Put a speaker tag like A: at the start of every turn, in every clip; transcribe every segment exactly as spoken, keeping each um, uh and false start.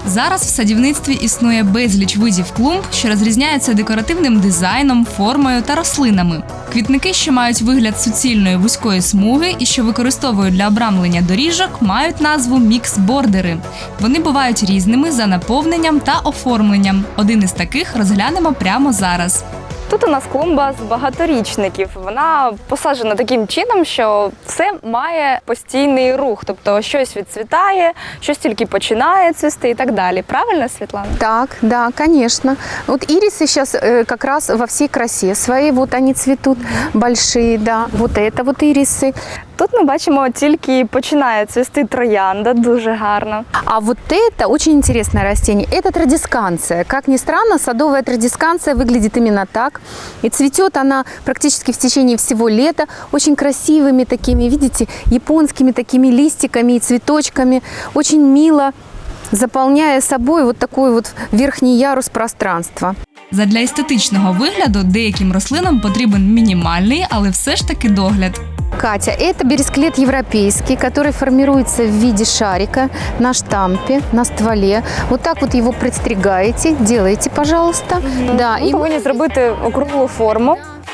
A: Зараз в садівництві існує безліч видів клумб, що розрізняються декоративним дизайном, формою та рослинами. Квітники, що мають вигляд суцільної вузької смуги і що використовують для обрамлення доріжок, мають назву мікс-бордери. Вони бувають різними за наповненням та оформленням. Один із таких розглянемо прямо зараз.
B: Тут у нас клумба з багаторічників. Вона посаджена таким чином, що все має постійний рух. Тобто щось відцвітає, щось тільки починає цвісти і так далі. Правильно, Світлана?
C: Так, да, конечно. Вот ирисы сейчас э, как раз во всей красе своей. Вот они цветут большие, да. Вот это вот ирисы.
B: Тут ми бачимо, тільки починає цвісти троянда, дуже гарно.
C: А вот это очень интересное растение. Это традисканция. Как ни странно, садовая традисканция выглядит именно так. И цветет она практически в течение всего лета. Очень красивыми такими, видите, японскими такими листиками и цветочками. Очень мило, заполняя собой вот такой вот верхний ярус пространства.
A: Задля естетичного вигляду деяким рослинам потрібен мінімальний, але все ж таки догляд.
C: Катя, это бересклет европейский, который формируется в виде шарика на штампе, на стволе. Вот так вот его подстригаете, делаете, пожалуйста.
B: Mm-hmm.
C: Да,
B: Ми
C: и
B: повинні зробити округлу форму.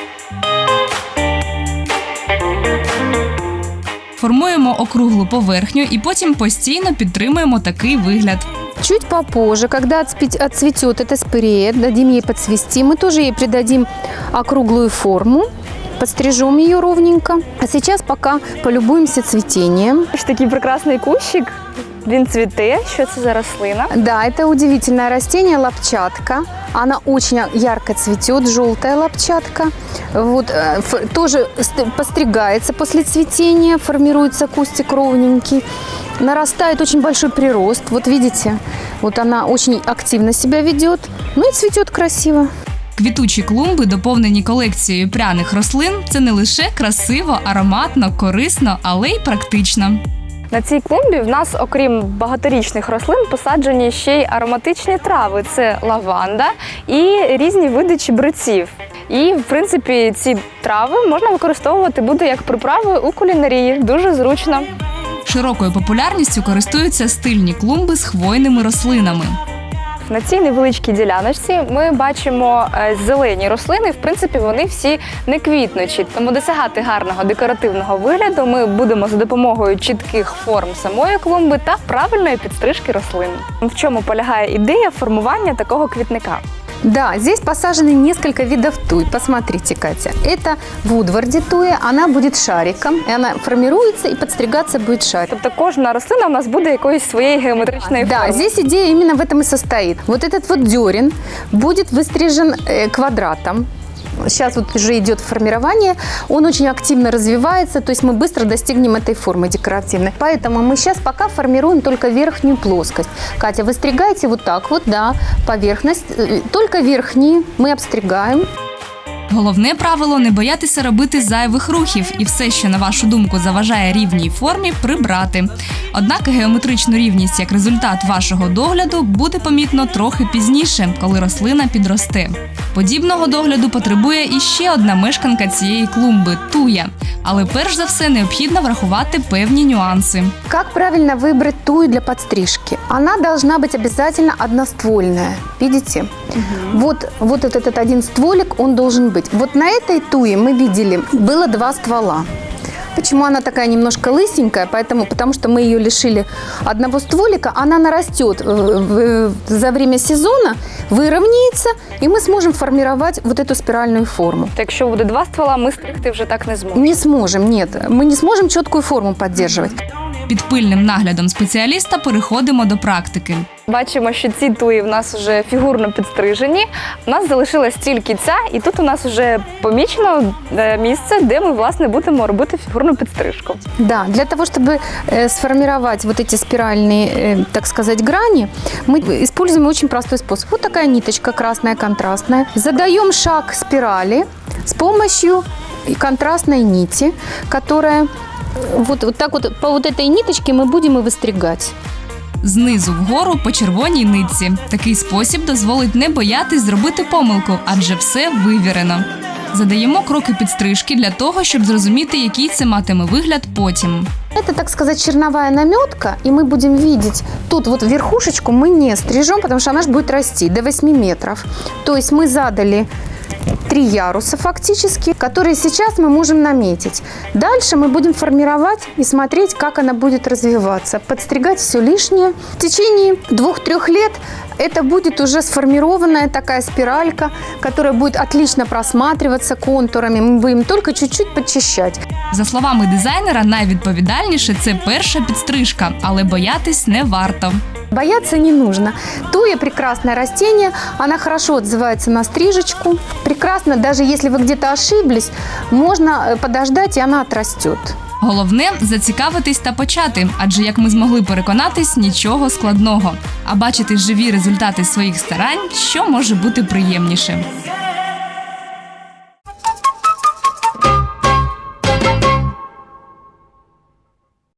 A: Формуємо округлу поверхню і потім постійно підтримуємо такий вигляд.
C: Чуть попозже, когда отцветет эта спирея, дадим ей подцвести, мы тоже ей придадим округлую форму. Подстрижем ее ровненько. А сейчас пока полюбуемся цветением.
B: Ось такий прекрасний кущик. Він цвіте. Що це за рослина?
C: Да, это удивительное растение, лапчатка. Она очень ярко цветет, желтая лапчатка. Вот, э, тоже постригается после цветения, формируется кустик ровненький. Нарастает очень большой прирост. Вот видите, вот она очень активно себя ведет. Ну и цветет красиво.
A: Квітучі клумби, доповнені колекцією пряних рослин, це не лише красиво, ароматно, корисно, але й практично.
B: На цій клумбі в нас, окрім багаторічних рослин, посаджені ще й ароматичні трави. Це лаванда і різні види чебреців. І, в принципі, ці трави можна використовувати буде як приправи у кулінарії. Дуже зручно.
A: Широкою популярністю користуються стильні клумби з хвойними рослинами.
B: На цій невеличкій діляночці ми бачимо зелені рослини. В принципі, вони всі не квітнучі. Тому досягати гарного декоративного вигляду ми будемо за допомогою чітких форм самої клумби та правильної підстрижки рослин. В чому полягає ідея формування такого квітника?
C: Да, здесь посажены несколько видов туй. Посмотрите, Катя. Это вудварди туя, она будет шариком, и она формируется, и подстригаться будет шарик.
B: Тобто кожна рослина у нас буде якоїсь своєї геометричної форми.
C: Да, здесь идея именно в этом и состоит. Вот этот вот дерен будет выстрижен э, квадратом. Сейчас вот уже идет формирование, он очень активно развивается, то есть мы быстро достигнем этой формы декоративной. Поэтому мы сейчас пока формируем только верхнюю плоскость. Катя, вы стригаете вот так вот, да, поверхность, только верхние мы обстригаем.
A: Головне правило – не боятися робити зайвих рухів і все, що, на вашу думку, заважає рівній формі, прибрати. Однак геометричну рівність як результат вашого догляду буде помітно трохи пізніше, коли рослина підросте. Подібного догляду потребує і ще одна мешканка цієї клумби – туя. Але перш за все необхідно врахувати певні нюанси.
C: Как правильно выбрать тую для подстрижки? Она должна быть обязательно одноствольная. Видите? Угу. Вот, вот этот, этот один стволик, он должен быть. Вот на этой туе мы видели, было два ствола. Почему она такая немножко лысенькая? Поэтому, потому что мы ее лишили одного стволика, она нарастет за время сезона, выровняется, и мы сможем формировать вот эту спиральную форму.
B: Якщо буде два ствола, ми стригти вже так не зможемо.
C: Не сможем, нет. Мы не сможем четкую форму поддерживать.
A: Під пильним наглядом спеціаліста переходимо до практики.
B: Бачимо, що ці туї в нас вже фігурно підстрижені. У нас залишилась тільки ця, і тут у нас вже помічено місце, де ми, власне, будемо робити фігурну підстрижку.
C: Да, для того, чтобы э, сформировать вот эти спиральные, э, так сказать, грани, мы используем очень простой способ. Вот такая ниточка красная, контрастная. Задаем шаг спирали с помощью контрастной нити, которая вот, вот так вот по вот этой ниточке мы будем и выстригать.
A: Знизу вгору по червоній нитці. Такий спосіб дозволить не боятись зробити помилку, адже все вивірено. Задаємо кроки підстрижки для того, щоб зрозуміти, який це матиме вигляд потім.
C: Это, так сказать, черновая наметка, и мы будем видеть, тут вот верхушечку мы не стрижем, потому что она же будет расти до восьми метров. То есть мы задали три яруса фактически, которые сейчас мы можем наметить. Дальше мы будем формировать и смотреть, как она будет развиваться, подстригать все лишнее. В течение двух-трех лет это будет уже сформированная такая спиралька, которая будет отлично просматриваться контурами. Мы будем только чуть-чуть подчищать.
A: За словами дизайнера, найвідповідальніше – це перша підстрижка, але боятись не варто.
C: Бояться не нужно. Туя – прекрасное растение, она хорошо отзывается на стрижечку. Прекрасно, даже если вы где-то ошиблись, можно подождать, и она отрастет.
A: Головне – зацікавитись та почати, адже, як ми змогли переконатись, нічого складного. А бачити живі результати своїх старань, що може бути приємніше.